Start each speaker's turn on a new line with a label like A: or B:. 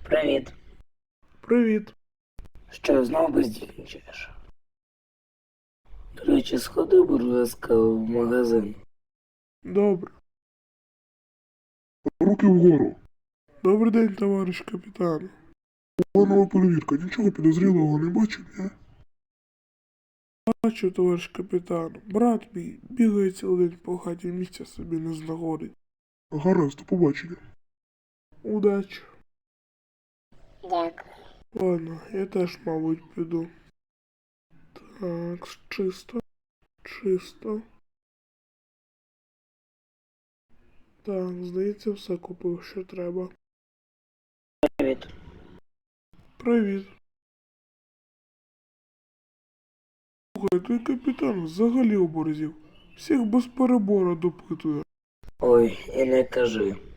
A: Привіт.
B: Привіт.
A: Що, знову бездільничаєш? До речі, сходи, будь ласка, в магазин.
B: Добре. Руки вгору. Добрий день, товариш капітан. Планова перевірка. Нічого підозрілого не бачив, ні? Бачу, товариш капітан. Брат мій бігає цілий день по хаті, місця собі не знаходить. Гаразд, до побачення. Удачі.
A: Дякую.
B: Ладно, я теж, мабуть, піду. Так, чисто. Чисто. Так, здається, все купив, що треба.
A: Привіт.
B: Привіт. Слухай, той капітан взагалі оборзів. Всіх без перебору допитує.
A: Ой, і не кажи.